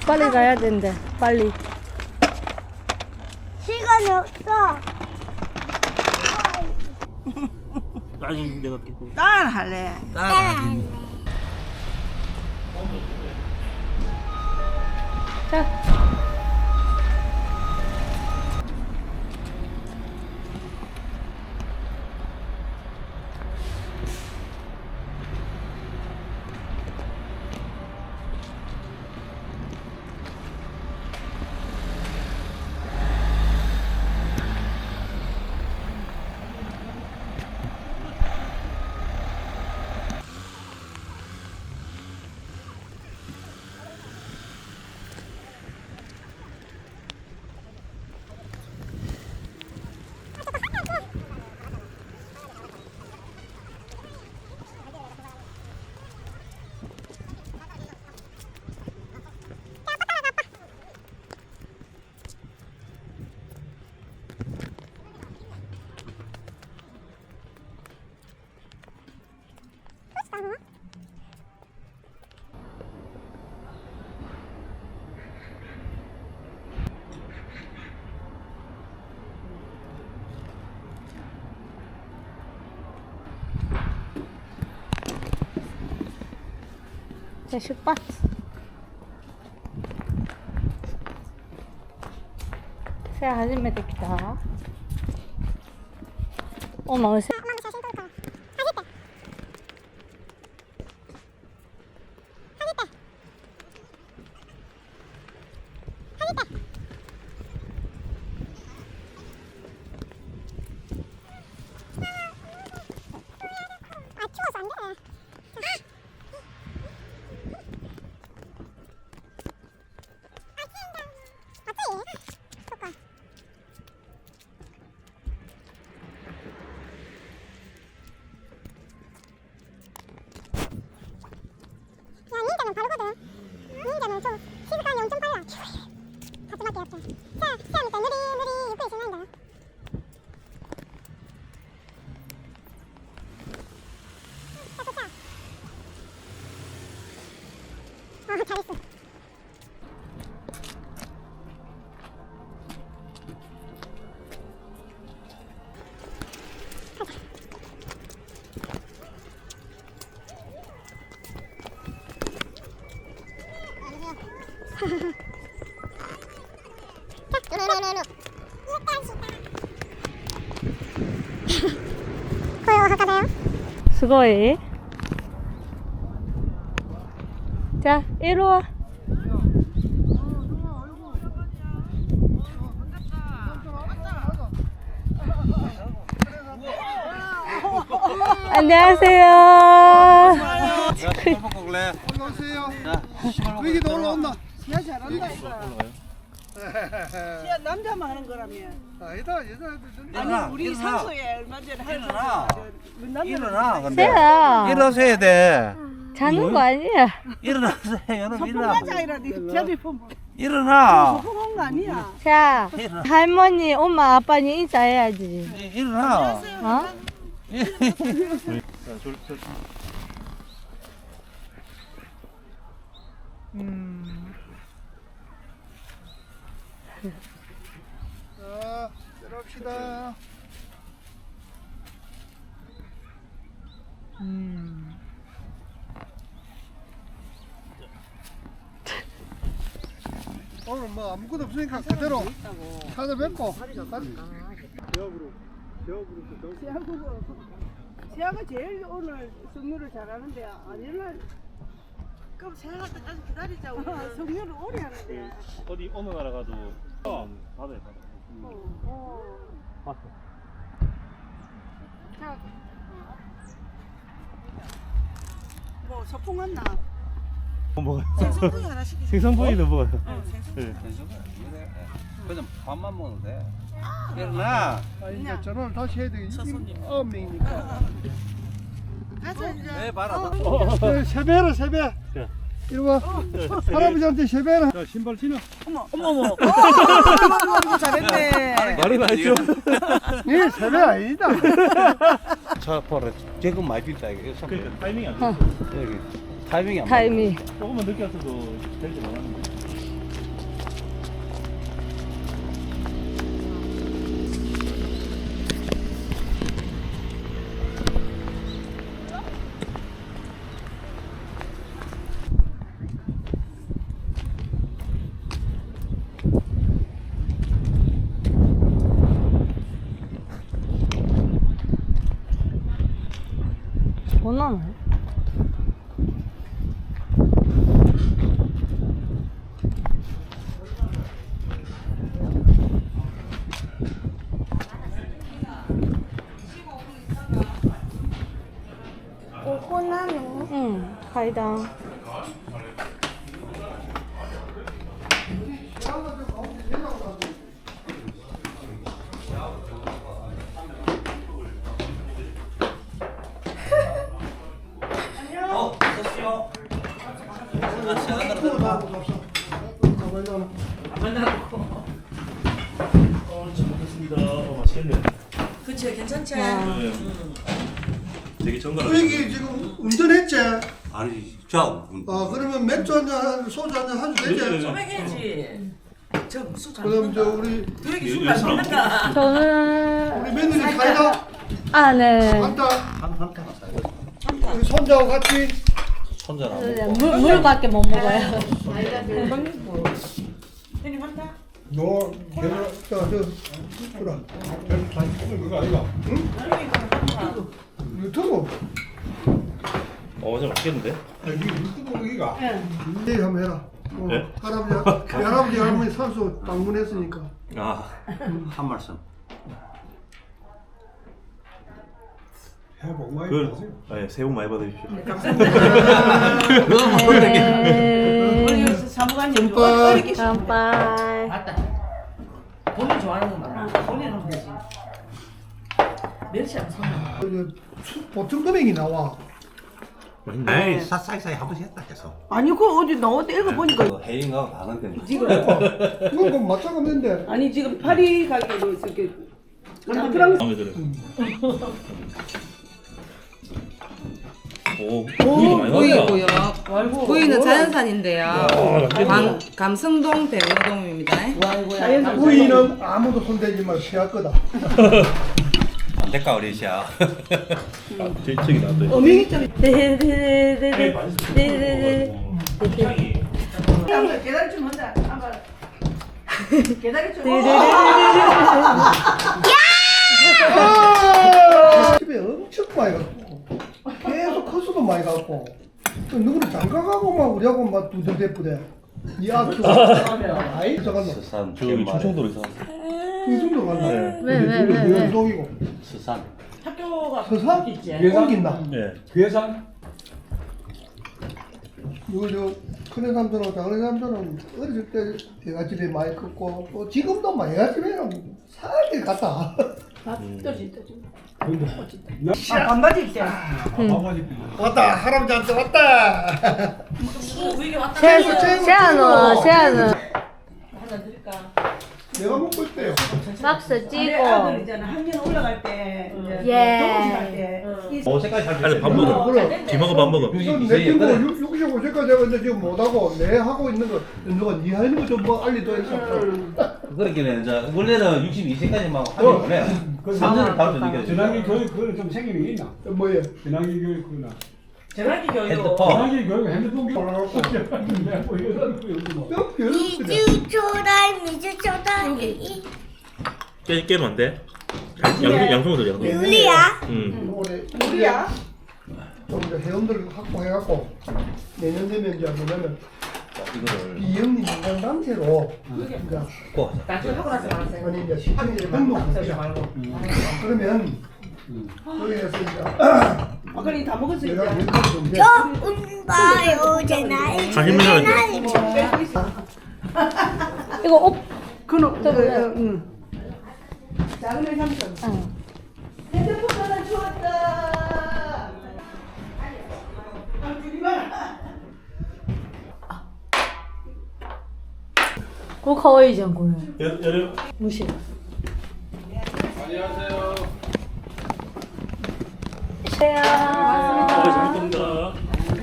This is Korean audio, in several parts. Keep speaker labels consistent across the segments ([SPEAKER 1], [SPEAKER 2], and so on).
[SPEAKER 1] 빨리 가야 된대. 빨리.
[SPEAKER 2] 시간이 없어.
[SPEAKER 3] 나중에 내가 깨고.
[SPEAKER 4] 딸 할래.
[SPEAKER 1] 자. 자, 출발. 새始めてきた。おまうせ。
[SPEAKER 2] 닌자는 바르거든. 닌자는 좀 시스감이 엄청 빨라. 가슴밖에 없어. 세아니까 느리 입구에 지나간다. 자, 도착. 잘했어.
[SPEAKER 1] 수고해. 자, 이리 와. 안녕하세요.
[SPEAKER 5] 시발 먹고 그래.
[SPEAKER 6] 올라오세요.
[SPEAKER 5] 시발 먹고.
[SPEAKER 6] 여기도 올라온다.
[SPEAKER 4] 야 잘한다 이거. 야 남자만 하는 거라며.
[SPEAKER 6] 아니다 여자애들 좀.
[SPEAKER 4] 아니 우리 산소에 얼마 전에
[SPEAKER 5] 일어나.
[SPEAKER 4] 남자
[SPEAKER 5] 일어나. 근데
[SPEAKER 1] 세야.
[SPEAKER 5] 일어서야 돼.
[SPEAKER 1] 자는 거 아니야.
[SPEAKER 5] 일어나세요. 여러분 일어나.
[SPEAKER 4] 소풍가자이라니 저기 보면
[SPEAKER 5] 일어나.
[SPEAKER 4] 소풍한 거 아니야.
[SPEAKER 1] 자, 할머니, 엄마, 아빠니 인사해야지.
[SPEAKER 5] 일어나.
[SPEAKER 1] 어?
[SPEAKER 6] 자, 내려갑시다. 오늘 뭐 아무것도 없으니까 그대로 찾아뵙고.
[SPEAKER 4] 세아가 제일 오늘 성유를 잘하는데 아니면 그럼 세아가 때까지 기다리자. 성유를 오래 하는데.
[SPEAKER 3] 어디 어느 나라 가도 바다에 바다. 봤어.
[SPEAKER 4] 자, 뭐 소풍 왔나?
[SPEAKER 3] 먹어요.
[SPEAKER 4] 생선구이 하나 시키자.
[SPEAKER 3] 생선구이도 먹어요.
[SPEAKER 4] 생선구이.
[SPEAKER 5] 그냥 밥만 먹어도 돼. 일어나.
[SPEAKER 6] 아, 이제 전화를 다시 해야 되겠지. 9명이니까.
[SPEAKER 4] 가자 이제.
[SPEAKER 5] 네, 봐라.
[SPEAKER 6] 세배라 세배.
[SPEAKER 3] 자.
[SPEAKER 6] 이리 와. 할아버지한테 세배라.
[SPEAKER 3] 자, 신발 신어.
[SPEAKER 4] 어머. 잘했네.
[SPEAKER 3] 말이 나죠.
[SPEAKER 6] 예, 세배 아니다.
[SPEAKER 5] 차 보라. 지금 많이 빈다 이거.
[SPEAKER 3] 그러니까 타이밍이 안 좋아.
[SPEAKER 5] 여기 타이밍이 안
[SPEAKER 1] 타이밍.
[SPEAKER 3] 조금만 늦게 왔어도 될줄 알았는데.
[SPEAKER 1] 못 나네.
[SPEAKER 2] 오코나노.
[SPEAKER 1] 응, 가이당.
[SPEAKER 3] 맛있겠네.
[SPEAKER 7] 그치 괜찮지?
[SPEAKER 3] 되게 정갈하다.
[SPEAKER 6] 그 얘기 지금 운전했지?
[SPEAKER 5] 아니, 자,
[SPEAKER 6] 그러면 맥주 한잔, 소주 한잔 하도 되지?
[SPEAKER 7] 소맥해야지. 저 술 잘
[SPEAKER 6] 그럼 저
[SPEAKER 7] 먹는다.
[SPEAKER 6] 우리
[SPEAKER 7] 되게 술잘 먹는다.
[SPEAKER 1] 저는,
[SPEAKER 6] 우리 며느리 사이다
[SPEAKER 1] 아, 네.
[SPEAKER 6] 한다. 우리 손자하고 같이
[SPEAKER 5] 손자랑.
[SPEAKER 1] 물밖에 못 먹어요.
[SPEAKER 7] 형님 한다.
[SPEAKER 6] 너 걔들 그래. 그거 아이가? 응? 유튜브.
[SPEAKER 3] 진짜 맛있겠는데?
[SPEAKER 6] 유튜브 거기가. 내일 한번 해라.
[SPEAKER 3] 네?
[SPEAKER 6] 할아버지 할머니 산소 방문했으니까.
[SPEAKER 5] 아, 한 말씀.
[SPEAKER 6] 해복 많이
[SPEAKER 3] 네, 새해 복 많이 받으십시오.
[SPEAKER 7] 우리 사무관님
[SPEAKER 6] 깜빡.
[SPEAKER 7] 어렵게
[SPEAKER 1] 깜빡.
[SPEAKER 7] 맞다. 본인 좋아하는 거 말아. 본인 하면 되지. 멸치 안 사.
[SPEAKER 6] 보통 금액이 나와.
[SPEAKER 5] 에이, 사이사이 한 번씩 했다 계속.
[SPEAKER 4] 아니 그거 어디 나왔다 읽어보니까
[SPEAKER 5] 해인하고 다른 때문에.
[SPEAKER 4] 지금
[SPEAKER 6] 이거 맞춰가면 되는데.
[SPEAKER 4] 아니 지금 파리 가게도 이렇게 프랑스
[SPEAKER 3] 마음에 들어요. 오,
[SPEAKER 8] 보이고요. 보이는 자연산인데요. 감성동 대우동입니다.
[SPEAKER 6] 부인은 아무도 손대지 마 피할 거다.
[SPEAKER 5] 안 될까, 우리 시야.
[SPEAKER 3] 저기 나왔다.
[SPEAKER 4] 어명이점
[SPEAKER 1] 네네네네네.
[SPEAKER 4] 계단 좀 한다. 한번 계단이 좀.
[SPEAKER 6] 집에 엄청 많이 갖고 계속 커서도 많이 갖고 또 누구는 장가가고 막 우리하고 막 두들대쁘대. 야, 아이 잠깐만.
[SPEAKER 5] 스산.
[SPEAKER 3] 저기 충청도로 이사.
[SPEAKER 6] 충청도 갔나?
[SPEAKER 1] 왜?
[SPEAKER 6] 연동이고.
[SPEAKER 5] 스산.
[SPEAKER 7] 학교가
[SPEAKER 6] 서산?
[SPEAKER 7] 있지.
[SPEAKER 6] 옮긴다.
[SPEAKER 3] 네.
[SPEAKER 6] 이거 저 큰애 삼촌하고 작은 삼촌은 어렸을 때 대가집에 많이 컸고 또 지금도 막 대가집에는 살길 갔다.
[SPEAKER 4] 반바지 입지.
[SPEAKER 6] 왔다 할아버지한테 왔다.
[SPEAKER 7] 위에 왔다.
[SPEAKER 1] 세안은
[SPEAKER 7] 하나 드릴까?
[SPEAKER 6] 내가 먹고 있대요.
[SPEAKER 1] 박스
[SPEAKER 4] 아들
[SPEAKER 1] 찌고.
[SPEAKER 4] 있잖아. 학년 올라갈 때 이제
[SPEAKER 1] 예.
[SPEAKER 4] 동호회 갈때
[SPEAKER 5] 색깔 잘
[SPEAKER 3] 아니, 밥 먹어. 뒤먹어, 밥 먹어.
[SPEAKER 6] 내 친구 65세까지 하고 있는데 지금 못하고 내 하고 있는 거 누가 니 하는 거 좀 뭐 알리도 했어.
[SPEAKER 5] 그렇게는 이제 원래는 62세까지만 하면 원래 3년을 다룰 수 있게
[SPEAKER 9] 전환기 교육 그거는 좀 생기는 게 있나?
[SPEAKER 6] 뭐예요?
[SPEAKER 9] 전환기 교육 그거나
[SPEAKER 7] 전화기 교육.
[SPEAKER 5] 핸드폰.
[SPEAKER 9] 전환기 교육 핸드폰 교육 뭐 이런 거 뭐.
[SPEAKER 2] 미주 초달 미주 초달.
[SPEAKER 3] 깨면 안 돼? 양손으로 양손.
[SPEAKER 2] 유리야.
[SPEAKER 6] 올해
[SPEAKER 4] 우리야.
[SPEAKER 6] 좀 이제 회원들 확보해갖고 내년 되면 이제 뭐냐면
[SPEAKER 5] 이거를
[SPEAKER 6] 비영리 인간 단체로 이제
[SPEAKER 7] 나중에 하고 나서 말하세요.
[SPEAKER 6] 아니 이제 시청일에 등록하자. 그러면 거기에서 이제
[SPEAKER 4] 아까 다 먹었으니까.
[SPEAKER 6] 내가 왼쪽 좀
[SPEAKER 2] 저 운바요 제나이.
[SPEAKER 1] 이거 옷.
[SPEAKER 4] 그놈 응. 작은 애 삼촌.
[SPEAKER 1] 응.
[SPEAKER 4] 핸드폰 하나 주웠다.
[SPEAKER 1] 그거 가와이잖아, 그거.
[SPEAKER 3] 여름.
[SPEAKER 1] 무시.
[SPEAKER 9] 안녕하세요.
[SPEAKER 1] 세야.
[SPEAKER 3] 잘 먹습니다.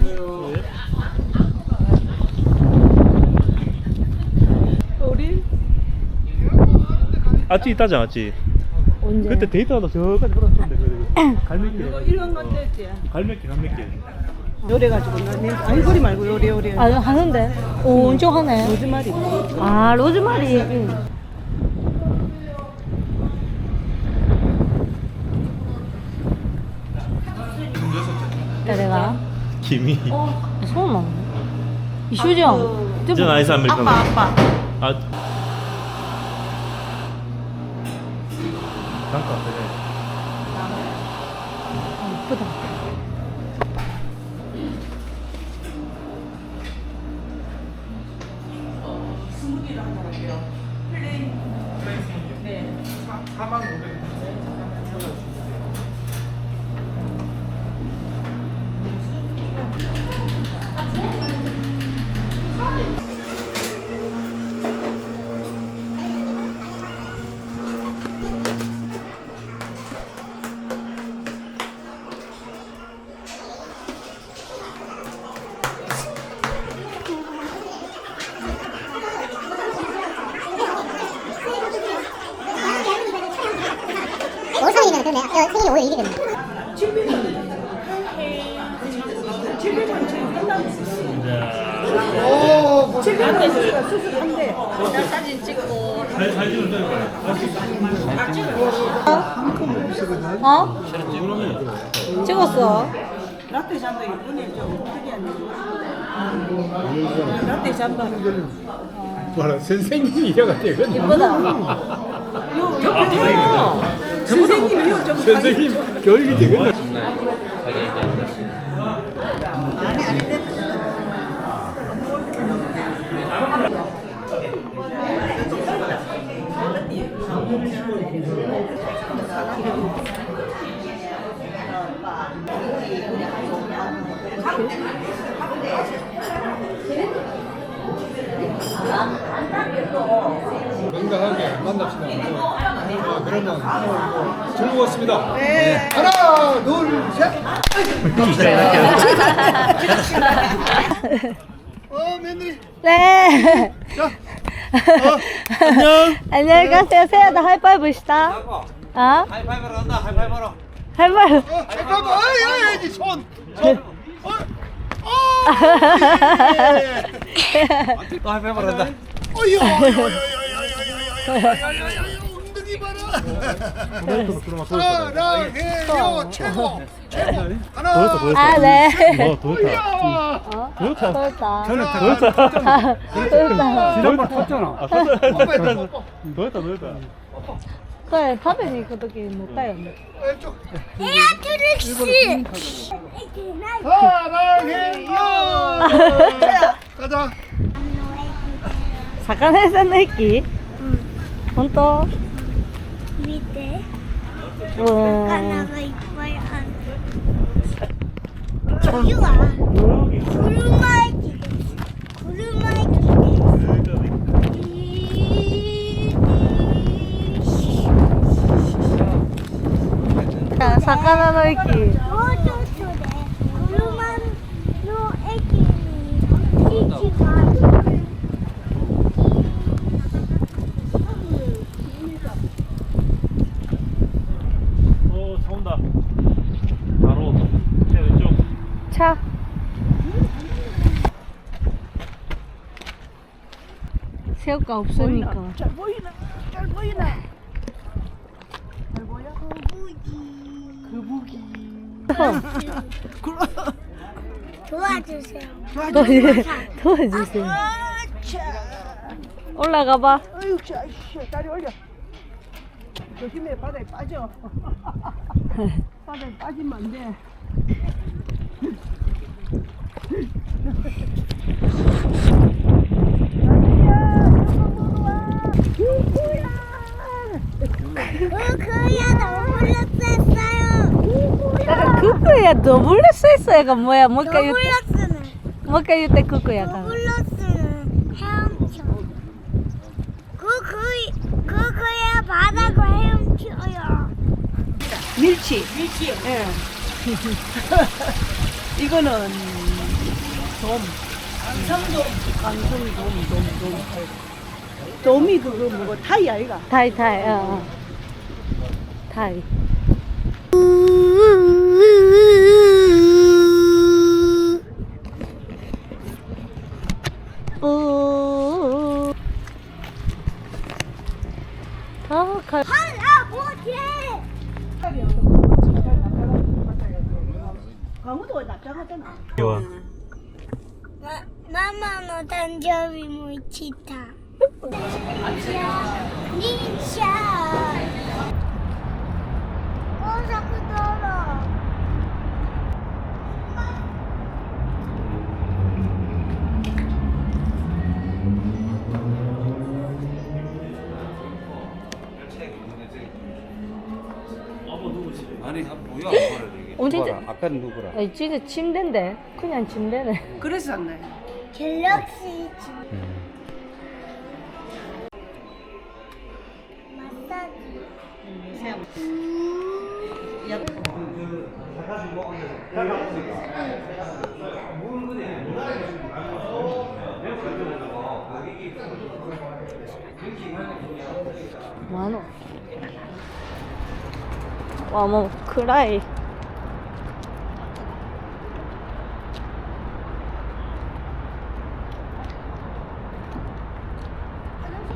[SPEAKER 1] 우리
[SPEAKER 3] 아찌 있다지 않았지?
[SPEAKER 1] 언제?
[SPEAKER 3] 그때 데이트하다 저까지 걸었는데 갈매길.
[SPEAKER 4] 이런 건데 있지.
[SPEAKER 3] 갈매길.
[SPEAKER 4] 요래가지고 아니 소리 말고 요래.
[SPEAKER 1] 아, 하는데. 오, 엄청 하네.
[SPEAKER 4] 로즈마리.
[SPEAKER 1] 아, 로즈마리. 응. 誰が
[SPEAKER 3] 김이.
[SPEAKER 1] そうなの一緒じゃんでも
[SPEAKER 3] 아이스 아메리카노.
[SPEAKER 8] 아빠.
[SPEAKER 3] 아. 잠깐 그래.
[SPEAKER 1] 예쁘다
[SPEAKER 8] 스무디를 한잔 할게요. 플레인. 네. 4,500원.
[SPEAKER 2] 월성이면 그러네. 생일이 5월 1일이네.
[SPEAKER 6] 오,
[SPEAKER 4] 수술한대.
[SPEAKER 1] 사진 찍고
[SPEAKER 3] 잘 찍을 때.
[SPEAKER 1] 어? 찍었어
[SPEAKER 4] 라떼 잠바 이번에 좀 특이한데. 라떼 잠바.
[SPEAKER 9] 뭐라 선생님이 이래가 되거든.
[SPEAKER 1] 예쁘다
[SPEAKER 4] 선생님이요 좀.
[SPEAKER 9] 선생님 교육이 되거든. 건강하게 만납시다. 그러면 즐거웠습니다.
[SPEAKER 6] 네. 하나, 둘, 셋. 며느리.
[SPEAKER 1] 네
[SPEAKER 6] 자,
[SPEAKER 3] 안녕.
[SPEAKER 1] 안녕히 가세요 세야도 하이파이브 시다 어?
[SPEAKER 5] 하이파이브로 간다. 하이파이브로.
[SPEAKER 1] 하이파이브
[SPEAKER 6] 잠깐만. 어이, 손.
[SPEAKER 5] 또 하이파이브로 간다.
[SPEAKER 6] 어이요. 엉덩이 봐라. 사랑해요. 최고. 하나.
[SPEAKER 1] 아, 네.
[SPEAKER 3] 도요타.
[SPEAKER 1] 도요타.
[SPEAKER 3] 도요타.
[SPEAKER 9] 지난번 탔잖아.
[SPEAKER 3] 도요타.
[SPEAKER 1] これ食べに行くときに乗ったよね
[SPEAKER 6] 왼쪽.
[SPEAKER 2] 에어트릭스.
[SPEAKER 6] 사랑해요. 가자.
[SPEAKER 1] 魚屋さんの駅本当
[SPEAKER 2] 밑에
[SPEAKER 1] うん
[SPEAKER 2] 하나가 이빨 안. 저기가 구름말기.
[SPEAKER 1] 아, 魚の駅
[SPEAKER 3] 차 온다. 바로 제 왼쪽.
[SPEAKER 1] 차 새우가 없으니까
[SPEAKER 4] 잘 보이나? 잘 보이나? 잘 보여? 거북이.
[SPEAKER 2] 도와주세요.
[SPEAKER 1] 도와주세요
[SPEAKER 4] 아차.
[SPEAKER 1] 올라가봐
[SPEAKER 4] 어휴, 자, 다리 올려. 조심해, 바다에 빠져. 바다에 빠지면 안 돼.
[SPEAKER 1] 쿠쿠야 더블레스가 뭐야? 뭐一回言って
[SPEAKER 2] 더블럭스는
[SPEAKER 1] もう一回言って쿠쿠야
[SPEAKER 2] 더블럭스는 헤엄쳐. 그거야 바다가 헤엄쳐요.
[SPEAKER 4] 밀치. 예. 이거는 돔. 돔이 그거 뭐고 타이 아이가?
[SPEAKER 1] 타이 타이
[SPEAKER 2] 할아버지.
[SPEAKER 4] 강우도 낮잖아.
[SPEAKER 3] 이와.
[SPEAKER 2] 마마の誕生日も来た。忍者。高速道路。
[SPEAKER 5] 아니 뭐야 뭐라 이게.
[SPEAKER 1] 언제
[SPEAKER 5] 아까는 누구라?
[SPEAKER 1] 아니 진짜 침대인데 그냥 침대네.
[SPEAKER 4] 그래서 샀네.
[SPEAKER 2] 갤럭시 마사지.
[SPEAKER 1] 뭐하노? 와, 뭐, 크라이.